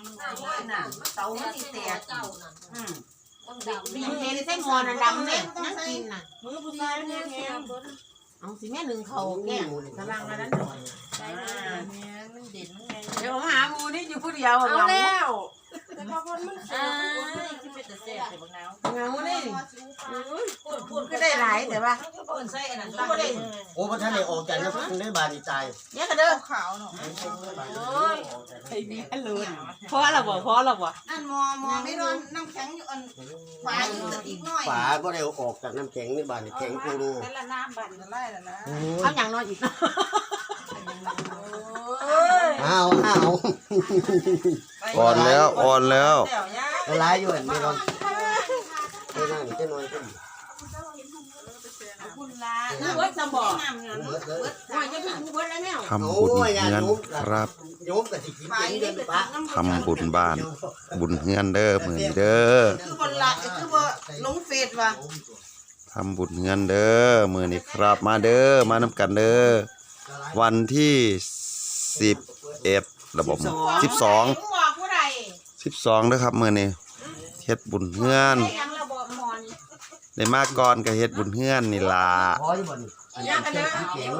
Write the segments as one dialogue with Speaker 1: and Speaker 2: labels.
Speaker 1: น่ะเตามันสิแตก
Speaker 2: มีเห็นใส่หม้อน่ะดำเนี่ยนั่งกินน่ะ
Speaker 1: มือผู้ชายเนี่ยแข็ง
Speaker 2: เอาสิแม่หนึ่งเขาแก่กำลังอันนั้นหน่อย
Speaker 1: ใช่เนี่ยมันเด่นมันไง
Speaker 2: เดี๋ยวหาหมูนี่อยู่ผู้เดียว
Speaker 1: เอา
Speaker 2: เหงา
Speaker 1: แล้วแต่พอคนมันคือเป็นแต่แซ่บแต่บางน้ำ
Speaker 2: เหงานี่ก็ได้หลายแต่ว่า
Speaker 1: เปิดใส่อันนั้น
Speaker 3: โอ้พระท่านได้ออกจากน้ำได้บาดีใจ
Speaker 2: เนี่ยก็เด้อ
Speaker 1: ขาวเนาะ
Speaker 2: ไอ้นี่เลยพอละบ่
Speaker 1: อันมอไม่โดนน้ำแข็งอยู่อันฝาอยู่แต่อีกหน่อย
Speaker 3: ฝาก็ได้ออกจากน้ำแข็งในบาดีแข็งกูรู
Speaker 1: แต่ละน้ำบันละลายละนะ
Speaker 2: เอาอย่างน้อยอีก
Speaker 3: อ้าว
Speaker 4: อ่อนแล้ว
Speaker 3: ละลายอยู่อันไม่ร้อนไม่น่าจะน้อยขึ้น
Speaker 1: คุณลา
Speaker 2: เบิดสมบ่
Speaker 3: เบิดเลย
Speaker 2: ว่าจะถึงเบิดแล้วแนว
Speaker 4: ทำบุญเฮือนครับ
Speaker 3: โยมกับสิกินเองเดินปะ
Speaker 4: ทำบุญบ้าน บุญเฮือนเด้อมื้อนี้เด้อ
Speaker 1: คือบนละคือว่าลงเฟซว่ะ
Speaker 4: ทำบุญเฮือนเด้อมื้อนี้ครับมาเด้อมานำกันเด้อวันที่11ระบบ12
Speaker 2: บอกผู้ใด
Speaker 4: 12เด้อครับมื้อนี้เฮ็ดบุญเฮือน
Speaker 2: ยังระบบหมอน
Speaker 4: ได้มาก่อนก็เฮ็ดบุญเฮือนนี่ล่ะ
Speaker 3: พออยู่บ่นี่อันนี้เช็ดเก๋งมัน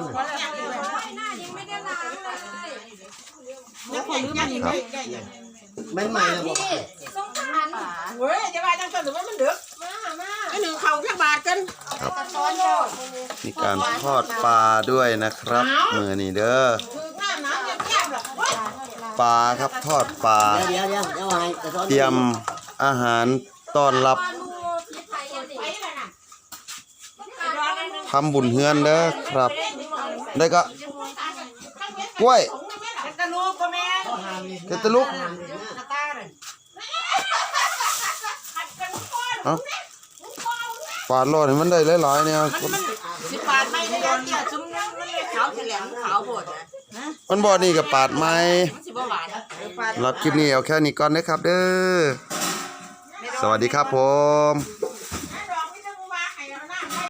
Speaker 2: แล้วคนลืมมันได้ยัง
Speaker 3: ไม่ใหม่เลยบอก
Speaker 2: เว้ยจะว่าจังซั่นหรือว่ามันดึกไอ้หนึ่งเขาแค่บาทกัน
Speaker 4: มีการทอดปลาด้วยนะครับมื้อนี้เด้อ
Speaker 2: คือน้ำแก้มหรอกเว้ย
Speaker 4: ปลาครับทอดปลา
Speaker 3: เดี๋ยวไง
Speaker 4: เตรียมอาหารต้อนรับทำบุญเฮือนเด้อครับได้ก็กล้วย
Speaker 2: กระลูกก็แม่
Speaker 4: เกตลุกเอ้าปาดรอดให้มันได้หลายๆเนี่ย
Speaker 2: สิบบาทไม่ได้ยันเกี่ยวซุ้มนั้นมันเลยขาวแฉลงขาวโพดนะ
Speaker 4: มันบ่นี่กับปาดไม้
Speaker 2: มันสิบ่หวาน
Speaker 4: รับคลิปนี้เอาแค่นี้ก่อนนะครับเด้อสวัสดีครับผม